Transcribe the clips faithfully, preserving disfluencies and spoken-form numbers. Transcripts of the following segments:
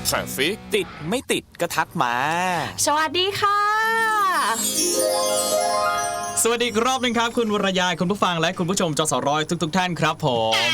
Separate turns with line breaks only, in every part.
Traffic
ติดไม่ติดก็ทักมา
สวัสดีค่ะ
สวัสดีอีกรอบนึงครับคุณวรยายคุณผู้ฟังและคุณผู้ชมจสร้อยทุกๆท่านครับผม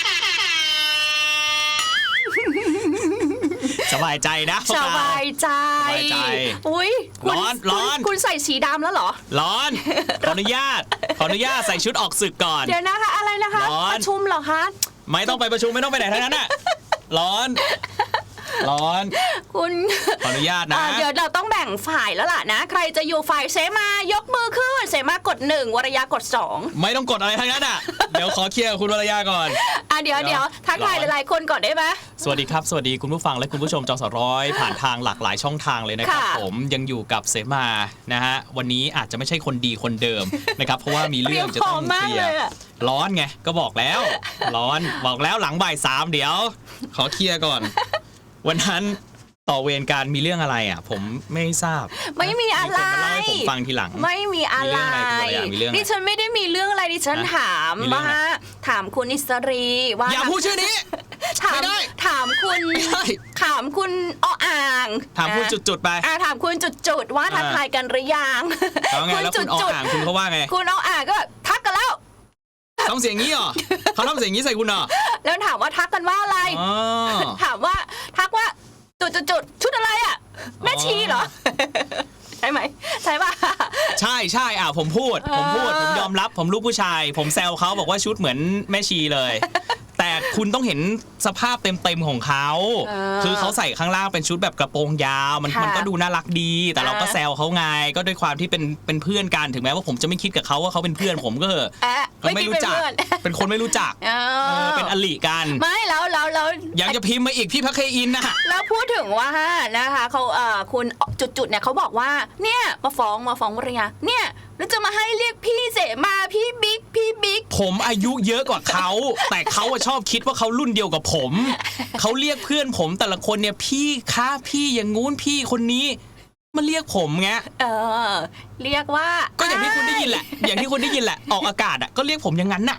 สบายใจนะ
สบายใจ
สบายใจ
อุ้ย
ร้อนร้อน
คุณใส่สีดำแล้วเหรอ
ร้อนขออนุญาตขออนุญาตใส่ชุดออกศึกก่อน
เดี๋ยวนะคะอะไรนะคะประชุมเหรอคะ
ไม่ต้องไปประชุมไม่ต้องไปไหนทั้งนั้นน่ะร้อนร้อน
คุณ
ขออนุญาตนะ
เดี๋ยวเราต้องแบ่งฝ่ายแล้วล่ะนะใครจะอยู่ฝ่ายเสมายกมือขึ้นเสมากดหนึ่งวรยากดสอง
ไม่ต้องกดอะไรทั้งนั้นอ่ะเดี๋ยวขอเคลียร์คุณวรยาก่อน
อ่ะเดี๋ยวเดี๋ยวทักทายหลายๆคนก่อนได้ไหม
สวัสดีครับสวัสดีคุณผู้ฟังและคุณผู้ชมจสร้อยผ่านทางหลากหลายช่องทางเลยนะครับผมยังอยู่กับเสมานะฮะวันนี้อาจจะไม่ใช่คนดีคนเดิมนะครับเพราะว่ามีเรื่องจะต้องเคลียร์ร้อนไงก็บอกแล้วร้อนบอกแล้วหลังบ่ายสามเดี๋ยวขอเคลียร์ก่อนวันนั้นต่อเวรการมีเรื่องอะไรอ่ะผมไม่ทราบ
ไม่มีอะไร
มีคนมาเล่าให้ผมฟังทีหลัง
ไม่มีอะไรดิฉันไม่ได้มีเรื่องอะไรดิฉันถามว่าถามคุณอิสรีว่า
อย่าพูดชื่อนี้
ถามถามคุณถามคุณอ้ออ่าง
ถามคุณจุดๆไป
ถามคุณจุดๆว่าทักทายกันหรือยัง
คุณจุดๆอ่างคุณเขาว่าไง
คุณอ้ออ่างก็ทักกันแล้ว
ทำเสียงงี้เหรอเขาทำเสียงงี้ใส่คุณเหรอ
แล้วถามว่าทักกันว่าอะไรถามว่าทักว่าจุดๆชุดอะไรอ่ะแม่ชีเหรอใช่ไหมใช่ป่ะ
ใช่ใช่อ่ะผมพูดผมพูดผมยอมรับผมลูกผู้ชายผมแซวเขาบอกว่าชุดเหมือนแม่ชีเลยแต่คุณต้องเห็นสภาพเต็มๆของเขาคือเขาใส่ข้างล่างเป็นชุดแบบกระโปรงยาวมันมันก็ดูน่ารักดีแต่เราก็แซวเขาไงก็ด้วยความที่เป็นเป็นเพื่อนกันถึงแม้ว่าผมจะไม่คิดกับเขาว่าเขาเป็นเพื่อนผมก็ก็ไม่รู้จักเป็นคนไม่รู้จักเป็นอลิกัน
ไม่แล้วแล้วแล้ว
ยังจะพิมพ์มาอีกพี่พักเคอินนะ
แล้วพูดถึงว่านะคะเขาเอ่อคุณจุดๆเนี่ยเขาบอกว่าเนี่ยมาฟ้องมาฟ้องวรยาเนี่ยแล้วจะมาให้เรียกพี่เสมาพี่บิ๊กพี่บิ๊ก
ผมอายุเยอะกว่าเขาแต่เขาชอบคิดว่าเขารุ่นเดียวกับผมเขาเรียกเพื่อนผมแต่ละคนเนี่ยพี่คะพี่อย่างงู้นพี่คนนี้มาเรียกผมไง
เออเรียกว่า
ก็อย่างที่คุณได้ยินแหละอย่างที่คุณได้ยินแหละออกอากาศอ่ะก็เรียกผมอย่างนั้นน่ะ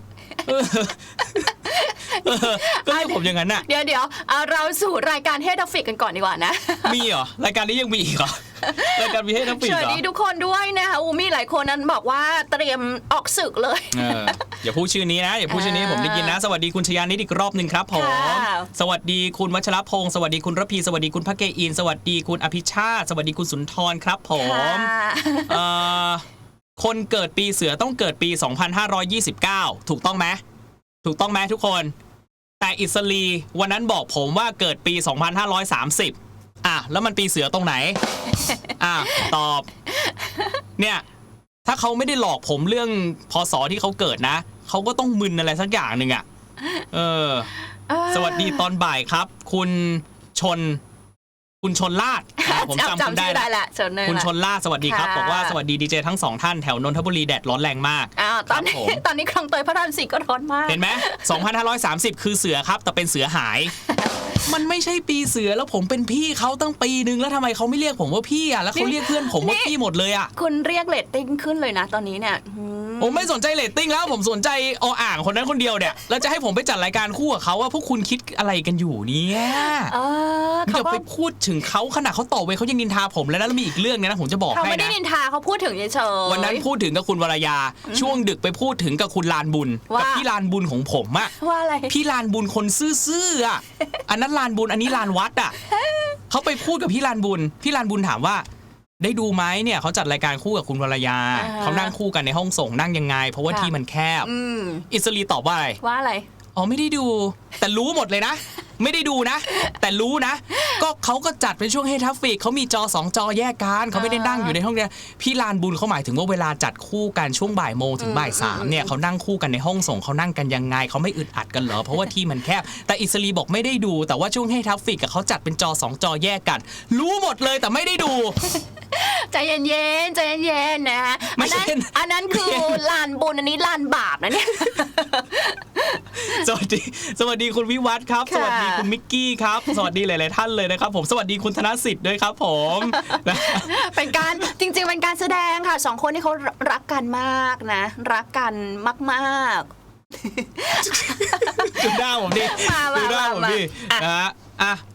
ก็เรียกผมอย่างนั้นน่ะ
เดี๋ยวเดี๋ยวเราสู่รายการเฮดออฟฟิศกันก่อนดีกว่านะ
มีเหรอรายการนี้ยังมีอีกเหรอรายการมีเฮดออฟฟิศเหรอ
สวัสดีทุกคนด้วยนะคะอูมีหลายคนนั้นบอกว่าเตรียมออกศึกเลย
อย่าพูดชื่อนี้นะอย่าพูดชื่อนี้ผมได้ยินนะสวัสดีคุณชยานิดอีกรอบหนึ่งครับผมสวัสดีคุณวัชรพงศ์สวัสดีคุณระพีสวัสดีคุณพักเกอินสวัสดีคุณอภิชาติสวัสดีคุณสุนทรครับผมคนเกิดปีเสือต้องเกิดปีสองพันห้าร้อยยี่สิบเก้าถูกต้องไหมถูกต้องไหมทุกคนแต่อิสรีวันนั้นบอกผมว่าเกิดปีสองพันห้าร้อยสามสิบอ่ะแล้วมันปีเสือตรงไหนอ่ะตอบเนี่ยถ้าเขาไม่ได้หลอกผมเรื่องพศที่เขาเกิดนะเขาก็ต้องมึนอะไรสักอย่างหนึ่งอ่ะเออสวัสดีตอนบ่ายครับคุณชนคุณชนลาดผมจำคุณได้แล้วคุณชนลาดสวัสดีครับบอกว่าสวัสดีดีเจทั้งสองท่านแถวนนทบุรีแดดร้อนแรงมาก
อ่าตอนนี้ตอนนี้คลองเตยพระรามสี่ก็ร้อนมาก
เห็นไหมสองพันห้าร้อยสามสิบคือเสือครับแต่เป็นเสือหายมันไม่ใช่ปีเสือแล้วผมเป็นพี่เขาตั้งปีนึงแล้วทำไมเขาไม่เรียกผมว่าพี่อ่ะแล้วเขาเรียกเพื่อนผมว่าพี่หมดเลยอ่ะ
คุณเรียกเรตติ้งขึ้นเลยนะตอนนี้เนี่ย
ผมไม่สนใจเรตติ้งแล้วผมสนใจออ่างคนนั้นคนเดียวเนี่ยแล้วจะให้ผมไปจัดรายการคู่กับเขาว่าพวกคุณคิดอะไรกันอยู่เนี่ยอย่าไปพูดถึงเขาขนาดเขาต่อเวรเขายังนินทาผมแล้วแล้วมีอีกเรื่องนะผมจะบอกให้นะ
เขาไม่ได้นินทาเขาพูดถึงเฉย
ๆวันนั้นพูดถึงกับคุณวรยาช่วงดึกไปพูดถึงกับคุณลานบุญกับพี่ลานบุญของผมอะ
ว่าอะไร
พี่ลานบุญคนซื่อๆอะอันนั้นลานบุญอันนี้ลานวัดอะเขาไปพูดกับพี่ลานบุญพี่ลานบุญถามว่าได้ดูไหมเนี่ยเขาจัดรายการคู่กับคุณวรยาเขานั่งคู่กันในห้องส่งนั่งยังไงเพราะว่าที่มันแคบอิสรีตอบว่าอะไร
ว่าอะไร
อ๋อไม่ได้ดูแต่รู้หมดเลยนะไม่ได้ดูนะแต่รู้นะก็เขาก็จัดเป็นช่วงเฮทัฟฟิกเขามีจอสองจอแยกกันเขาไม่ได้นั่งอยู่ในห้องเดียวพี่ลานบุญเขาหมายถึงว่าเวลาจัดคู่กันช่วงบ่ายโมงถึงบ่ายสามเนี่ยเขานั่งคู่กันในห้องส่งเขานั่งกันยังไงเขาไม่อึดอัดกันเหรอเพราะว่าที่มันแคบแต่อิสรีบอกไม่ได้ดูแต่ว่าช่วงเฮทัฟฟิกกับเขาจัดเป็นจอสองจอแยกกันรู้หมดเลยแต่ไม่ได้ดู
ใจเย็นๆใจเย็นๆนะอันนั้นอันนั้นคือลานบุญอันนี้ลานบาปนะเนี่ย
สวัสดีสวัสดีคุณวิวัฒน์ครับสวัสดีคุณมิกกี้ครับสวัสดีหลายๆท่านเลยนะครับผมสวัสดีคุณธนสิทธิ์ด้วยครับผม
เป็นการจริงๆเป็นการแสดงค่ะสองคนที่เขารักกันมากนะรักกันมากๆ
ดูหน้าผมดิดูหน้าผมดินะฮะอ่ะ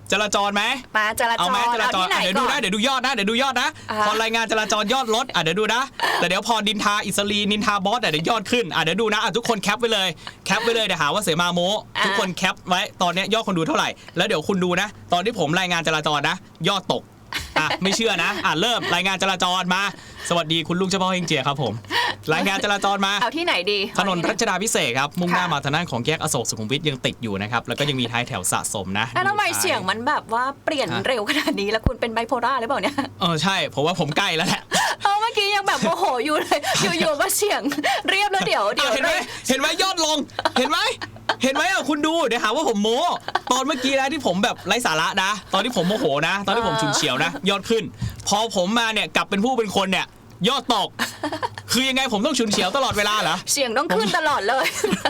จราจรไหม
มาจราจ
เอา
ร
ไหมจราจร
ที่ไหน
อ่ะเดี๋ยวดู
ก่อ
นะ
น
เดี๋ยวดูยอดนะเดี๋ยวดูยอดนะ
อ่า
พอรายงานจราจรยอดลดอ่ะเดี๋ยวดูนะแต่เดี๋ยวพอนินทาอิสรีนินทาบอสอ่ะเดี๋ยวยอดขึ้นอ่ะเดี๋ยวดูนะอ่ะทุกคนแคปไว้เลยแคปไว้เลยเดี๋ยวหาว่าเสมาโมทุกคนแคปไว้ตอนเนี้ยยอดคนดูเท่าไหร่แล้วเดี๋ยวคุณดูนะ ตอนที่ผมรายงานจราจรนะ ยอดตกอ่ะไม่เชื่อนะอ่ะเริ่มรายงานจราจรมาสวัสดีคุณลุงเฉพาะเฮงเจียครับผมรายงานจราจรมา
เอาที่ไหนดี
ถนนรัชดาพิเศษครับมุ่งหน้า
ค่ะ
มาทางด้านของแยกอโศกสุขุมวิทยังติดอยู่นะครับแล้วก็ยังมีท้ายแถวสะสมนะ
แล้วทำไม
ดูท้า
เสียงมันแบบว่าเปลี่ยน
ฮะ
เร็วขนาดนี้แล้วคุณเป็นไบโพล่าหรือเปล่าเนี่ย
เออใช่ผมว่าผมใกล้แล้วแหละ
เออเมื่อกี้ยังแบบโมโหอยู่เลย อยู่ๆมาเสียงเรียบแล้วเดี๋ยวเดี๋ยว
เห็นไหมเห็นไหมยอดลง เห็นไหมเห็นไหมอ่ะคุณดูเดี๋ยวหาว่าผมโม้ตอนเมื่อกี้นะที่ผมแบบไร้สาระนะ ตอนที่ผมโมโหนะ ตอนที่ผมฉุนเฉียวนะ ยอดขึ้น พอผมมาเนี่ยกลับเป็นผู้เป็นคนเนี่ยยอดตก คือยังไงผมต้องฉุนเฉียวตลอดเวลาเหรอ
เสียงต้องขึ้นตลอดเลย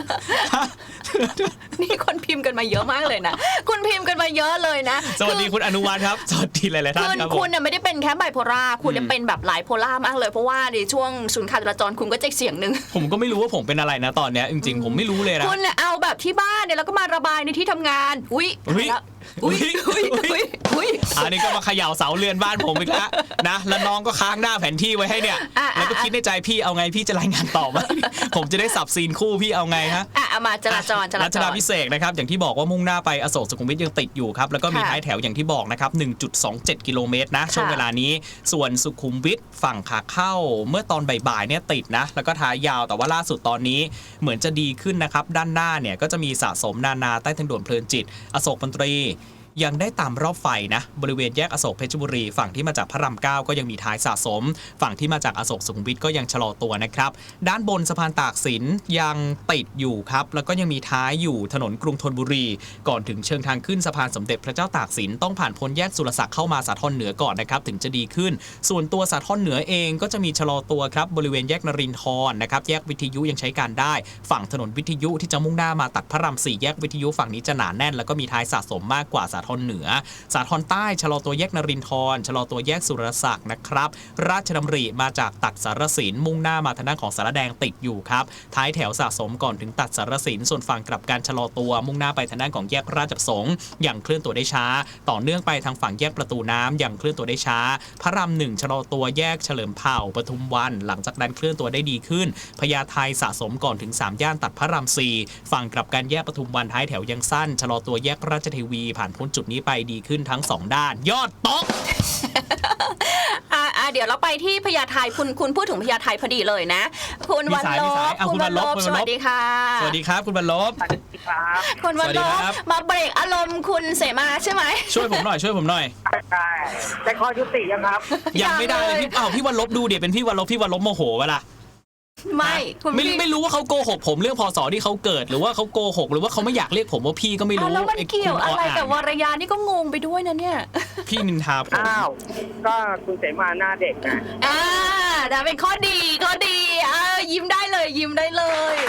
นี่คนพิมพ์กันมาเยอะมากเลยนะ คุณพิมพ์กันมาเยอะเลยนะ
สวัสดีคุณอนุวัฒน์ครับสวัสดีหลายๆท่า
คื
น
อ
ครับผ
คุ
ม
ณเนี่ยไม่ได้เป็นแค่ไบโพล่าคุณเนี่ยเป็นแบบหลายโพล่ามากเลยเพราะว่าในช่วงศูนย์การจราจรคุณก็จะเสียงหนึ่ง
ผมก็ไม่รู้ว่าผมเป็นอะไรนะตอนเนี้ยจริงๆผมไม่รู้เลยนะ
คุณเนี่ยเอาแบบที่บ้านเนี่ยแล้วก็มาระบายในที่ทำงานอุ้ย
อุ๊ย
แล้วอุ้ยอุ้ยอุ้ยอุ้ย
อันนี้ก็มาเขย่าเสาเรือนบ้านผมอีกแล้วนะแล้วน้องก็ค้างหน้าแผนที่ไว้ให้เนี่ย
อ่ะ
แล้วก็คิดในใจพี่เอาไงพี่จะรายงานต่อไหม ผมจะได้สับซีนคู่พี่เอาไงฮะ
อ่ะเอามาจราจรจรา
รั
จ
ชดาร พิเศษนะครับอย่างที่บอกว่ามุ่งหน้าไปอโศกสุขุมวิทยังติดอยู่ครับแล้วก็มี
ค่ะ
ท้ายแถวอย่างที่บอกนะครับ หนึ่งจุดสองเจ็ด กิโลเมตรนะช่วงเวลานี้ส่วนสุขุมวิทฝั่งขาเข้าเมื่อตอนบ่ายๆเนี่ยติดนะแล้วก็ท้ายยาวแต่ว่าล่าสุดตอนนี้เหมือนจะดีขึ้นนะครับด้านหน้าเนี่ยก็จะมีสะสมนานาใต้ทางด่วนเพลินจิตอโศกมนตรียังได้ตามรอบไฟนะบริเวณแยกอโศกเพชรบุรีฝั่งที่มาจากพระรามเก้าก็ยังมีท้ายสะสม ฝั่งที่มาจากอโศกสุขุมวิทก็ยังชะลอตัวนะครับด้านบนสะพานตากสินยังติดอยู่ครับแล้วก็ยังมีท้ายอยู่ถนนกรุงธนบุรี ก่อนถึงเชิงทางขึ้นสะพานสมเด็จพระเจ้าตากสินต้องผ่านพ้นแยกสุรศักดิ์เข้ามาสาทรเหนือก่อนนะครับถึงจะดีขึ้น ส่วนตัวสาทรเหนือเองก็จะมีชะลอตัวครับบริเวณแยกนรินทร์นะครับแยกวิทยุยังใช้การได้ ฝั่งถนนวิทยุที่จะมุ่งหน้ามาตัดพระรามสี่แยกวิทยุฝั่งนี้จะหนาแน่นแล้วก็มีท้ายสะสมมากกว่าสาทรเหนือสาทรใต้ชะลอตัวแยกนรินทร์ชะลอตัวแยกสุรศักดิ์นะครับราชดำริมาจากตัดสารสินมุ่งหน้ามาทางด้านของสารแดงติดอยู่ครับท้ายแถวสะสมก่อนถึงตัดสารสินส่วนฝั่งกลับการชะลอตัวมุ่งหน้าไปทางด้านของแยกราชประสงค์อย่างเคลื่อนตัวได้ช้าต่อเนื่องไปทางฝั่งแยกประตูน้ำอย่างเคลื่อนตัวได้ช้าพระรามหนึ่งชะลอตัวแยกเฉลิมเผ่าปทุมวันหลังจากนั้นเคลื่อนตัวได้ดีขึ้นพญาไทสะสมก่อนถึงสามย่านตัดพระรามสี่ฝั่งกลับการแยกปทุมวันท้ายแถวยังสั้นชะลอตัวแยกราชเทวีผ่านพ้นจุดนี้ไปดีขึ้นทั้งสองด้านยอดตก
อ่ะอ่ะเดี๋ยวเราไปที่พญาไทคุณคุณพูดถึงพญาไทพอดีเลยนะ คุณ
มี
วัน
สาย
ล
มีสาย
บ
อ่ะ
คุณ
คุณ
วันล
วันล
บบ
คุณ
ส
วันลบ
วัสดีค่ะ
สวัสดีครับคุณบรรลบ
สวัสดีครับ
คุณวัน
สวัสดี
ลบ
ครับ
มาเบรกอารมณ์คุณเสมาใช่ไหม
ช่วยผมหน่อยช่วยผมหน่อย
ใช่แต่ข้อยุติยังครับ
ยังไม่ได้เลย
ยังเลย
พี่อ้าวพี่วันลบดูเดี๋ยวเป็นพี่วันลบพี่วันลบโมโหเวลา
ไม่คุณ
ไม่
พี่
ไม่รู้ว่าเขาโกหกผมเรื่องพศที่เขาเกิด หรือว่าเขาโกหกหรือว่าเขาไม่อยากเรียกผมว่าพี่ก็ไม่
อ่ะ
รู้
แล้วมัน
อ้
เกี่ยว
คุณ
อะไรกับว
อ่าน
รยานี่ก็งงไปด้วยนะเนี่ย
พี่นินทาผม
อ้าว ก็คุณเสมาหน้าเด็กนะ
อ่าแต่เป็นข้อดีข้อดีอ่ายิ้มได้เลยยิ้มได้เลย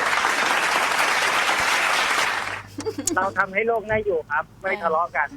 เราทำให้โลกน่าอยู่ครับ ไม่ทะเลาะกัน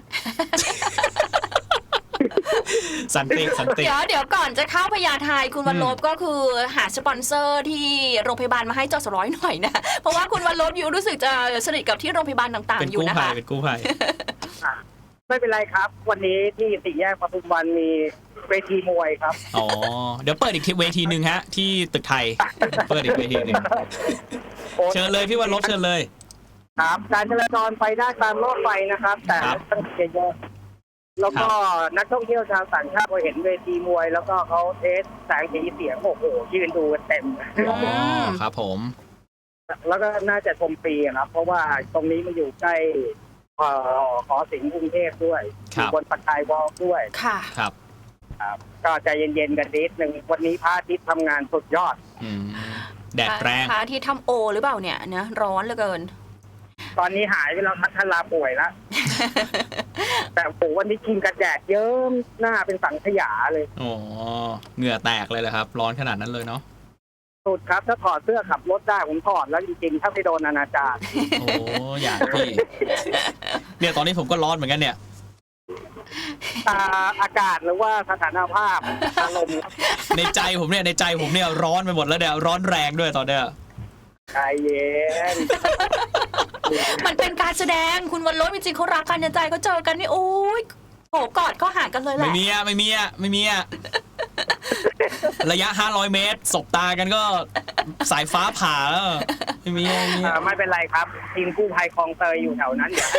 สันติสันติ
เดี๋ยวเดี๋ยวก่อนจะเข้าพญาไทคุณวันลบก็คือหาสปอนเซอร์ที่โรงพยาบาลมาให้จอสร้อยหน่อยนะ เพราะว่าคุณวันลบอยู่รู้สึกจะสนิทกับที่โรงพยาบาลต่าง
เป็น
ๆอยู่
กู้
นะ
ภัย
คะ
เป็นกู้ภัย
ไม่เป็นไรครับ วันนี้ที่สี่แยกปทุมวันมีเวทีมวยครับ
อ๋อเดี๋ยวเปิดอีกทีเวทีหนึ่งฮะที่ตึกไทยเปิดอีกเวทีหนึ่งเชิญเลยพี่วันลบเชิญเลย
ครับการจราจรไปได้ตามรอบไฟนะครับ แต่
ครับ
ต้องเยอะๆแล้วก็นักท่องเที่ยวชาวต่างชาติพอเห็นเวทีมวย แล้วก็เขาเทสแสงสีเสียงโอ้โหยืนดูกันเต็ม
อ๋อครับผม
แล้วก็น่าจะชมฟรีครับ เพราะว่าตรงนี้มันอยู่ใกล้เอ่อหอศิลป์กรุงเทพด้วยอยู่บนปากกายวอลด้วย
ค่ะ
ครับ
ครับก็ใจเย็นๆกันนิดหนึ่งวันนี้พระอาทิตย์ทำงานสุดยอด
อืมแดดแรง
พระอาที่ทำโอหรือเปล่าเนี่ยนะร้อนเหลือเกิน
ตอนนี้หายไปแล้วทันลาป่วยแล้ว แต่โอ้โหวันนี้กินกระแดดเยิ้มหน้าเป็นสังขยาเลย
อ๋อเหงื่อแตกเลยเหรอครับ ร้อนขนาดนั้นเลยเนาะ
สุดครับถ้าถอดเสื้อขับรถได้ผมถอดแล้วจริงๆถ้าไม่โดนอนาจาร
โอ้อยากพี่ เนี่ยตอนนี้ผมก็ร้อนเหมือนกันเนี่ย
ตาอากาศหรือว่าสถานภาพอารมณ์
ในใจผมเนี่ยในใจผมเนี่ยร้อนไปหมดแล้วเนี่ยร้อนแรงด้วยตอนเนี้ย
ใจเย็น
มันเป็นการแสดงคุณวันลบจริงๆเขารักกันในใจเขาเจอกันนี่โอ้ยโผกอดก็ห่างกันเลยแห
ไม่
ละ
มีอ่ะไม่มีอ่ะไม่มีอ่ะระยะห้าร้อยเมตรสบตากันก็สายฟ้าผ่าแล้วไม่มีอ่ะไม่มี
เอ่
อ่ะ
อไม่เป็นไรครับทีมกู้ภัยคลองเตยอยู่แถวนั้นเดี๋ยว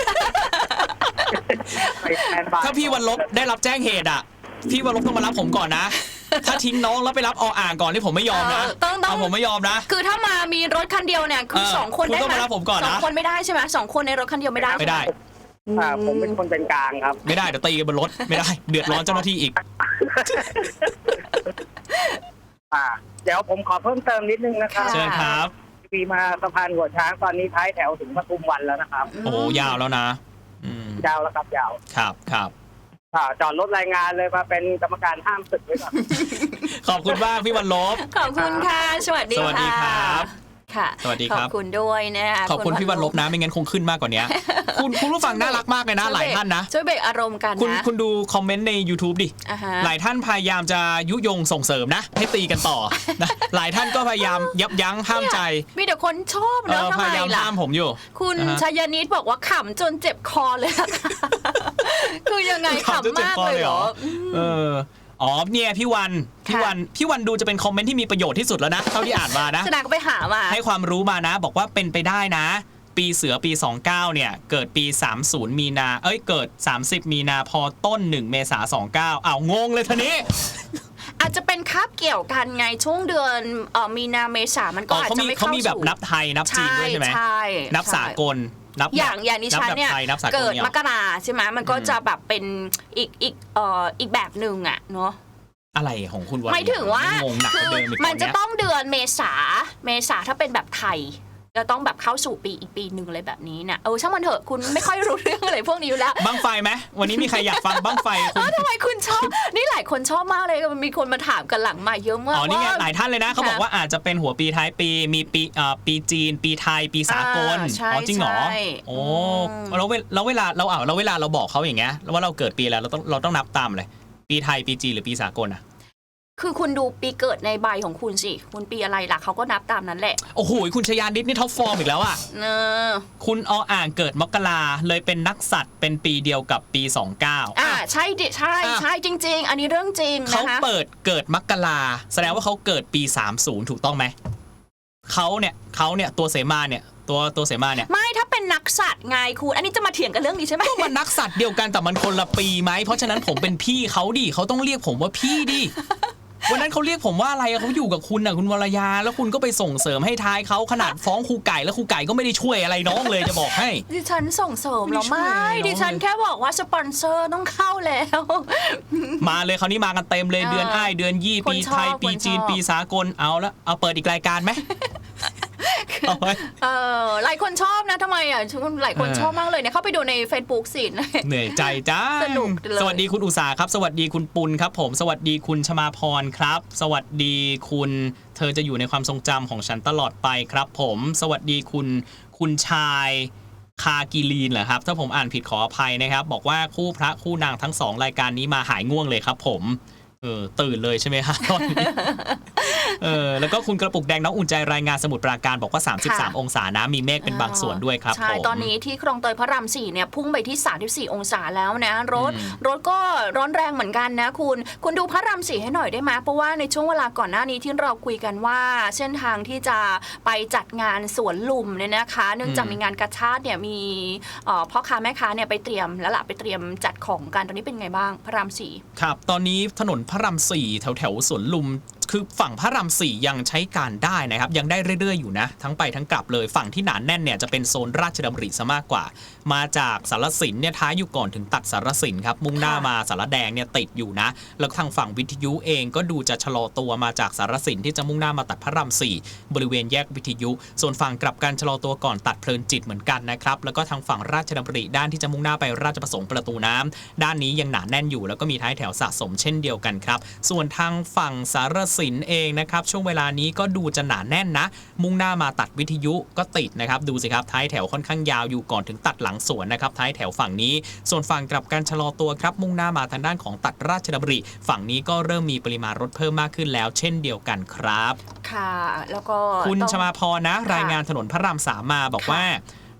ไปแทนบาย
ถ้าพี่วันลบได้รับแจ้งเหตุอ่ะพี่วันลบต้องมารับผมก่อนนะ ถ้าทิ้งน้องแล้วไปรับออ่างก่อนนี่ผมไม่ยอมนะ
เออต้องต้อง
เอาผมไม่ยอมนะ
คือถ้ามามีรถคันเดียวเนี่ยคือ
เออ
สองคน
คุณ
ได้
ต้อง
ไหม
มารับผมก่อนนะ
สองคนไม่ได้ใช่ไหมสองคนในรถคันเดียวไม่ได้
ไม่ได้
อ่าผมเป็นคนเป็นกลางครับ
ไม่ได้เดี๋ยวตีกันบนรถไม่ได้เดือดร้อนเจ้าหน้าที่อีก
อ่าเดี๋ยวผมขอเพิ่มเติมนิดนึงนะครับ
เชิญครับ
ปีมาสะพานหัวช้างตอนนี้ท้ายแถวถึงปทุมวันแล้วนะครับ
โอ้โหยาวแล้วนะอืม
ยาวแล้วครับยาว
ครับครับ
อ่าจอดรถรายงานเลยมาเป็นกรรมการห้ามศึกไว้ก่อน
ขอบคุณมากพี่วันลบ
ขอบคุณค่ะสวัสดี
สวัสดีครับ
ค่ะ
สวัสดีครับ
ขอบคุณด้วยนะคะ
ขอบคุณพี่วันลบนะไม่งั้นคงขึ้นมากกว่านี้ คุณคุณผู้ฟังน่ารักมากเลยนะหลายท่านนะ
ช่วยเบรกอารมณ์กัน
คุณ
นะ
คุณดูคอมเมนต์ใน YouTube ดิ
อ่าฮะ
หลายท่านพยายามจะยุยงส่งเสริมนะ ให้ตีกันต่อนะหลายท่านก็พยายามยับยั้งห้ามใจ
มีแต่คนชอบ
เอ
เนอะ
อ
ทำ
พ
ไม
ยายาม
ล่ะ
ห้ามผมอยู่
คุณ
นะฮะ
ชยนิดบอกว่าขำจนเจ็บคอเลยนะคะ คือยังไง
ขำจน
ขำ
เจ็บ
มาก
คอ
เลย
เลย
เห
เห
ร
ร
อ
อ เอออ๋อเนี่ยพี่วันพี่
ค่ะ
วันพี่วันดูจะเป็นคอมเมนต์ที่มีประโยชน์ที่สุดแล้วนะเท่าที่อ่านมานะ
ชนะก็ไปหามา
ให้ความรู้มานะ บอกว่าเป็นไปได้นะ ปีเสือปีสองสิบเก้าเนี่ยเกิดปีสามสิบมีนาเอ้ยเกิดสามสิบมีนาพอต้นหนึ่งเมษาสองสิบเก้าอ้าวงงเลยทีนี้
อาจจะเป็นคาบเกี่ยวกันไงช่วงเดือนเอ่อมีนาเมษามันก็
อ๋อ
อาจ
เขา
จะ
มี
ไม่
เขา
เข้า
มีแบบ
สู่
นับไทยนับจีนด้วยใช่ไหม
ใช่
นับ
ใช่
สากลนับ
อย่างอย่างดิฉันเนี่ย
บแบบไทนับสากล
เกิด
เนี่ย
มกราใช่ไหมมันก็
อืม
จะแบบเป็นอีกอีกเอ่ออีกแบบหนึ่งอะเนาะ
อะไรของคุณวัน
หมายถึงว่าง
งหนักก
คื
ว่า
อ
เดิมอีก
มันจะ
ตอนเนี้ย
ต้องเดือนเมษาเมษาถ้าเป็นแบบไทยจะต้องแบบเข้าสู่ปีอีกปีหนึ่งอะไรแบบนี้เนี่ยเออช่างมันเถอะคุณไม่ค่อยรู้เรื่องอะไรพวกนี้อยู่แล้ว
บั้งไฟไหมวันนี้มีใครอยากฟังบั้งไฟคุ
เอ
ณ
อทำไมคุณชอบนี่หลายคนชอบมากเลยมีคนมาถามกันหลังมาเยอะมาก
อ๋อนี่ไง
ว่า
หลายท่านเลยนะเขาบอกว่าอาจจะเป็นหัวปีท้ายปีมีปีเอ่อปีจีน ปีไทย ปีสากล
อ่าใช่
อ๋อจริงเหรอ
ใช่
โอ้
อืม
แล้วเวลาแล้วเวลาเราอ่าแล้วเวลาเราบอกเขาอย่างเงี้ยว่าเราเกิดปีอะไรเราต้องเราต้องนับตามเลยปีไทยปีจีนหรือปีสากลอ่ะ
คือคุณดูปีเกิดในใบของคุณสิคุณปีอะไรล่ะเขาก็นับตามนั้นแหละ
โอ้โหคุณชยานิดนี่ท็อปฟอร์มอีกแล้วอ่ะ
เนอะ
คุณออ่างเกิดมกราเลยเป็นนักสัตว์เป็นปีเดียวกับปีสองสิบเก้า
อ่าใช่ดิใช่
อ่ะ
ใช่จริง ๆ อันนี้เรื่องจริง
เขา
นะคะ
เปิดเกิดมกราแสดงว่าเขาเกิดปีสามสิบถูกต้องไหมเขาเนี่ยเขาเนี่ยตัวเสมาเนี่ยตัวตัวเสมาเนี่ย
ไม่ถ้าเป็นนักสัตว์ไงคุณอันนี้จะมาเถียงกันเรื่องนี้ใช่ไหม
ก็มันนักสัตว์เดียวกันแต่มันคนละปีไหมเพราะฉะนั้นผมเป็นพี่เขาดิเขาต้องเรียกผมว่าพี่ดิวันนั้นเขาเรียกผมว่าอะไรเขาอยู่กับคุณน่ะคุณวรยาแล้วคุณก็ไปส่งเสริมให้ท้ายเขาขนาดฟ้องครูไก่แล้วครูไก่ก็ไม่ได้ช่วยอะไรน้องเลยจะบอกให้
ดิฉันส่งเสริมเหรอ
ไม่
ไม่
ช่วยน้อง
ดิฉันแค่บอกว่าสปอนเซอร์ต้องเข้าแล้ว
มาเลยคราวนี้มากันเต็มเลย
เออ
เดือนอ้ายเดือนยี่
คน
ปี
ชอบ
ไทยปีจีน
คนชอบ
ปีสากลเอาละเอาเปิดอีกรายการไหม เอาไว้
เออหลายคนชอบนะทำไมอ่ะหลายคน
เออ
ชอบมากเลยเนี่ยเข้าไปดูใน Facebook สิ
เหนื่อยใจจ้า
สนุกเลย
สวัสดีคุณอุตสาครับ สวัสดีคุณปุณครับผมสวัสดีคุณชมาพรครับ สวัสดีคุณเธอจะอยู่ในความทรงจำของฉันตลอดไปครับผมสวัสดีคุณคุณชายคากีลีนเหรอครับถ้าผมอ่านผิดขออภัยนะครับ บอกว่าคู่พระคู่นางทั้งสองรายการนี้มาหายง่วงเลยครับผมเออตื่นเลยใช่ไหมครับ เออแล้วก็คุณกระปุกแดงน้องอุ่นใจรายงานสมุทรปราการบอกว่าสามสิบสาม
ค่ะ
องศานะมีเมฆเป็นบางส่วนด้วยครับ
ใช่
ผม
ตอนนี้ที่คลองเตยพระรามสี่เนี่ยพุ่งไปที่สามสิบสี่องศาแล้วนะรถ
อืม
รถก็ร้อนแรงเหมือนกันนะคุณคุณดูพระรามสี่ให้หน่อยได้ไหมเพราะว่าในช่วงเวลาก่อนหน้านี้ที่เราคุยกันว่า เส้นทางที่จะไปจัดงานสวนลุมเนี่ยนะคะ เนื่องจากมีงานกระชาติเนี่ยมีเอ่อพ่อค้าแม่ค้าเนี่ยไปเตรียมแล้วล่ะไปเตรียมจัดของกันตอนนี้เป็นไงบ้างพระรามสี่
ครับตอนนี้ถนนพระรามสี่แถวแถวๆสวนลุมคือฝั่งพระรามสี่ยังใช้การได้นะครับยังได้เรื่อยๆอยู่นะทั้งไปทั้งกลับเลยฝั่งที่หนาแน่นเนี่ยจะเป็นโซนราชดำริซะมากกว่า มาจากสารสินเนี่ยท้ายอยู่ก่อนถึงตัดสารสินครับมุ่งหน้ามาสารแดงเนี่ยติดอยู่นะแล้วทางฝั่งวิทยุเองก็ดูจะชะลอตัวมาจากสารสินที่จะมุ่งหน้ามาตัดพระรามสี่บริเวณแยกวิทยุ ส่วนฝั่งกลับกันชะลอตัวก่อนตัดเพลินจิตเหมือนกันนะครับแล้วก็ทางฝั่งราชดำริด้านที่จะมุ่งหน้าไปราชประสงค์ประตูน้ำด้านนี้ยังหนาแน่นอยู่แล้วก็มีท้ายแถวสะสมเช่นเดียวกันครับส่วนทางฝั่งสารสินเองนะครับช่วงเวลานี้ก็ดูจะหนาแน่นนะมุ่งหน้ามาตัดวิทยุก็ติดนะครับดูสิครับท้ายแถวค่อนข้างยาวอยู่ก่อนถึงตัดหลังสวนนะครับท้ายแถวฝั่งนี้ส่วนฝั่งกลับกันชะลอตัวครับมุ่งหน้ามาทางด้านของตัดราชดำริฝั่งนี้ก็เริ่มมีปริมาณรถเพิ่มมากขึ้นแล้วเช่นเดียวกันครับ
ค่ะแล้วก็
คุณ
ต้อง
ชมาพรนะ
ค่ะ
รายงานถนนพระรามสามมาบอก
ค่ะ
ว่า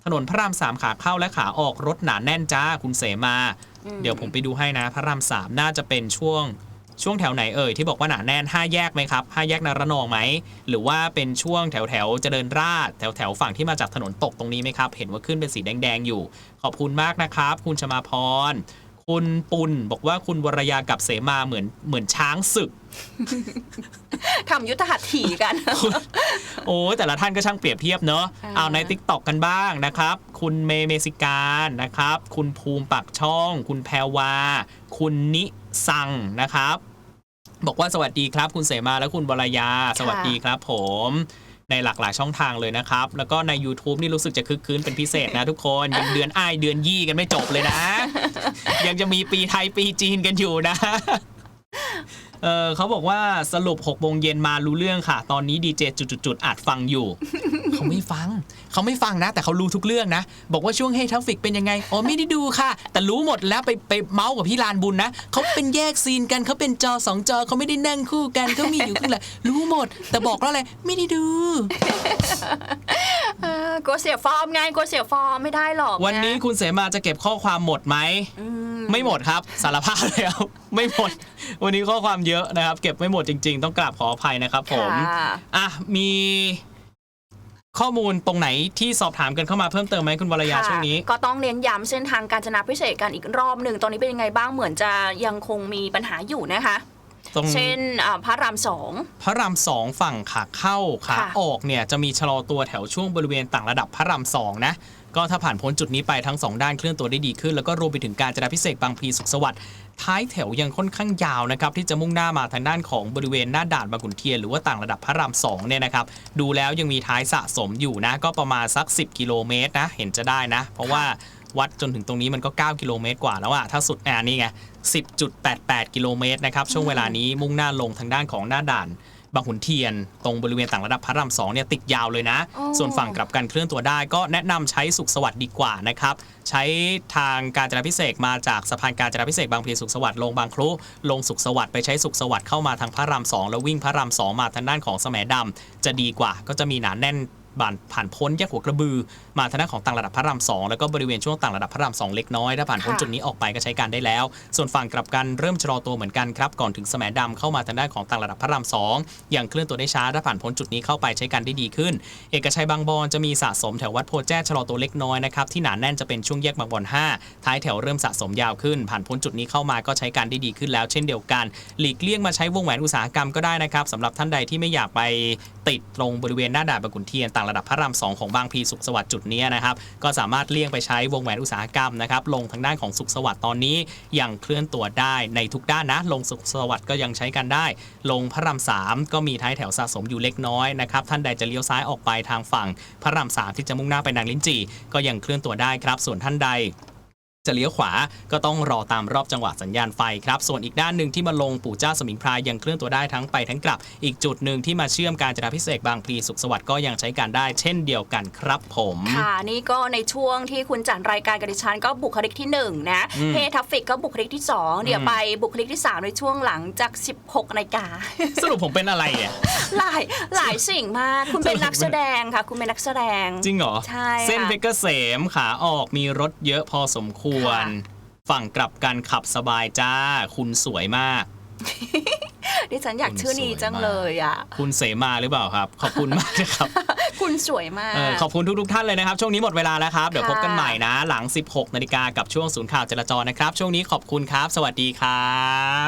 ถนนพระรามสามขาเข้าและขาออกรถหนาแน่นจ้าคุณเสมา เดี๋ยวผมไปดูให้นะพระรามสามน่าจะเป็นช่วงช่วงแถวไหนเอ่ยที่บอกว่าหนาแน่นห้าแยกไหมครับห้าแยกนารนองไหมหรือว่าเป็นช่วงแถวแถวเจริญราษฎร์แถวแถวฝั่งที่มาจากถนนตกตรงนี้ไหมครับเห็นว่าขึ้นเป็นสีแดงๆอยู่ขอบคุณมากนะครับคุณชมาพรคุณปุณบอกว่าคุณวรยากับเสมาเหมือนเหมือนช้างศึก
ทำยุทธหัตถีกัน
โอ้แต่ละท่านก็ช่างเปรียบเทียบเนอะ
อ่า
เอาใน ติ๊กต็อก กันบ้างนะครับคุณเมเมสิการนะครับคุณภูมิปักช่อง คุณแพรวา คุณนิสังนะครับบอกว่าสวัสดีครับคุณเสมาและคุณวรยาสวัสดีครับผมในหลากหลายช่องทางเลยนะครับแล้วก็ใน YouTube นี่รู้สึกจะคึกคืนเป็นพิเศษนะทุกคนยังเดือนอ้ายเดือนยี่กันไม่จบเลยนะ ยังจะมีปีไทยปีจีนกันอยู่นะ เออเขาบอกว่าสรุปหกโมงเย็นมารู้เรื่องค่ะ ตอนนี้ดีเจจุดๆๆอาจฟังอยู่ เขาไม่ฟังเขาไม่ฟังนะแต่เขารู้ทุกเรื่องนะบอกว่าช่วงเฮทัฟฟิกเป็นยังไงอ๋อไม่ได้ดูค่ะแต่รู้หมดแล้วไปไปเมาส์กับพี่ลานบุญนะเขาเป็นแยกซีนกันเขาเป็นจอสองจอเขาไม่ได้นั่งคู่กันเขามีอยู่ข้างหลังรู้หมดแต่บอกแล้วอะไรไม่ได้ดู
เออกลัวเสียฟอร์มไงกลัวเสียฟอร์มไม่ได้หรอกะ
วันนี้คุณเสมาจะเก็บข้อความหมดไหม
อืม
ไม่หมดครับสารภาพเลยครับไม่หมดวันนี้ข้อความเยอะนะครับเก็บไม่หมดจริงๆต้องกราบขออภัยนะครับผม
ค่ะ
อ่ะมีข้อมูลตรงไหนที่สอบถามกันเข้ามาเพิ่มเติมไหมคุณวรยา
ค่ะ
ช่วงนี้
ก็ต้องเน้นย้ำเส้นทางการจนาพิเศษกกันอีกรอบหนึ่งตอนนี้เป็นยังไงบ้างเหมือนจะยังคงมีปัญหาอยู่นะคะ
ตรง
เช่นอ่าพระรามสอง
พระรามสองฝั่งขาเข้าขา
ค่ะ
ออกเนี่ยจะมีชะลอตัวแถวช่วงบริเวณต่างระดับพระรามสองนะก็ถ้าผ่านพ้นจุดนี้ไปทั้งสองด้านเคลื่อนตัวได้ดีขึ้นแล้วก็รวมไปถึงการจนาพิเศษกบางพลีสุขสวัสดิ์ท้ายแถวยังค่อนข้างยาวนะครับที่จะมุ่งหน้ามาทางด้านของบริเวณหน้าด่านบางขุนเทียนหรือว่าต่างระดับพระรามสองเนี่ยนะครับดูแล้วยังมีท้ายสะสมอยู่นะก็ประมาณสักสิบกิโลเมตรนะเห็นจะได้นะเพราะว่าวัดจนถึงตรงนี้มันก็เก้ากิโลเมตรกว่าแล้วอะถ้าสุดอ่านี่ไง สิบจุดแปดแปด กิโลเมตรนะครับช่วงเวลานี้มุ่งหน้าลงทางด้านของหน้าด่านบางขุนเทียนตรงบริเวณต่างระดับพระรามสองเนี่ยติดยาวเลยนะ
โอ้
ส่วนฝั่งกลับกันเคลื่อนตัวได้ก็แนะนำใช้สุขสวัสดิ์ดีกว่านะครับใช้ทางการจราพิเศษกมาจากสะพานการจราพิเศษกบางพลีสุขสวัสดิ์ลงบางครุลงสุขสวัสดิ์ไปใช้สุขสวัสดิ์เข้ามาทางพระรามสองแล้ววิ่งพระรามสองมาทางด้านของแสมดำจะดีกว่าก็จะมีหนาแน่นบานผ่านพ้นแยกหัวกระบือมาทางด้านของต่างระดับพระรามสองแล้วก็บริเวณช่วงต่างระดับพระรามสองเล็กน้อยถ้าผ่านพ้น
ค่ะ
จุดนี้ออกไปก็ใช้การได้แล้ว ส่วนฝั่งกลับกันเริ่มชะลอตัวเหมือนกันครับก่อนถึงแสมดำเข้ามาทางด้านของต่างระดับพระรามสองยังเคลื่อนตัวได้ช้าถ้าผ่านพ้นจุดนี้เข้าไปใช้การได้ดีขึ้น เอกชัยบางบอนจะมีสะสมแถววัดโพแจ้ชะลอตัวเล็กน้อยนะครับที่หนาแน่นจะเป็นช่วงแยกบางบอนห้าท้ายแถวเริ่มสะสมยาวขึ้น ผ่านพ้นจุดนี้เข้ามาก็ใช้การได้ดีขึ้นแล้วเช่นเดียวกันหลีกเลี่ยงมาใช้วงแหวนอุตสาหกรรมก็ได้นะครับสำหรับท่านใดที่ไม่อยากไปติดตรงบริเวณหน้าด่านบางขุนเทียนต่างระดับพระรามสองของบางพลีสุขสวัสดิ์จุดนี้นะครับก็สามารถเลี่ยงไปใช้วงแหวนอุตสาหกรรมนะครับลงทางด้านของสุขสวัสดิ์ตอนนี้ยังเคลื่อนตัวได้ในทุกด้านนะลงสุขสวัสดิ์ก็ยังใช้กันได้ลงพระรามสามก็มีท้ายแถวสะสมอยู่เล็กน้อยนะครับท่านใดจะเลี้ยวซ้ายออกไปทางฝั่งพระรามสามที่จะมุ่งหน้าไปนางลิ้นจี่ก็ยังเคลื่อนตัวได้ครับส่วนท่านใดจะเลี้ยวขวาก็ต้องรอตามรอบจังหวะสัญญาณไฟครับส่วนอีกด้านหนึ่งที่มาลงปู่เจ้าสมิงพรายยังเคลื่อนตัวได้ทั้งไปทั้งกลับอีกจุดหนึ่งที่มาเชื่อมการจราพิเศษกบางพลีสุขสวัสดิ์ก็ยังใช้การได้เช่นเดียวกันครับผม
ค่ะนี่ก็ในช่วงที่คุณจัดรายการกับดิฉันก็บุคลิกที่หนึ่งนะ
อืม
เฮทัฟฟิกก็บุคลิกที่สองเดี๋ยว
อืม
ไปบุคลิกที่สามในช่วงหลังจากสิบหกนาฬิกา
สรุปผมเป็นอะไรเนี่ย
หลายหลายสิ่งมากคุณเป็นนักแสดงค่ะ คุณเป็นนักแสดง
จริงเหรอ
ใช่
เส้น
ค่ะ
เพชรเกษมขาออกมีรถเยอะพอสมควร
ค่ะ
ฝั่งกลับกันขับสบายจ้า คุณสวยมาก
ดิฉันอยากชื่อนี้จังเลยอ่ะ
คุณเสมาหรือเปล่าครับ ขอบคุณมากนะครับ
คุณสวยมาก
เออขอบคุณทุกๆท่านเลยนะครับ ช่วงนี้หมดเวลาแล้วครับ เดี๋ยว
ค่ะ
พบกันใหม่นะ หลัง สิบหกนาฬิกากับช่วงศูนย์ข่าวจราจรนะครับ ช่วงนี้ขอบคุณครับ สวัสดีครับ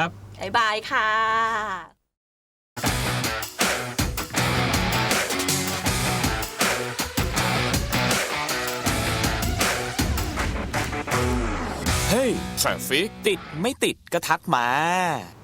บ๊ายบายค่ะ
เฮ้ย Traffic ติดไม่ติดก็ทักมา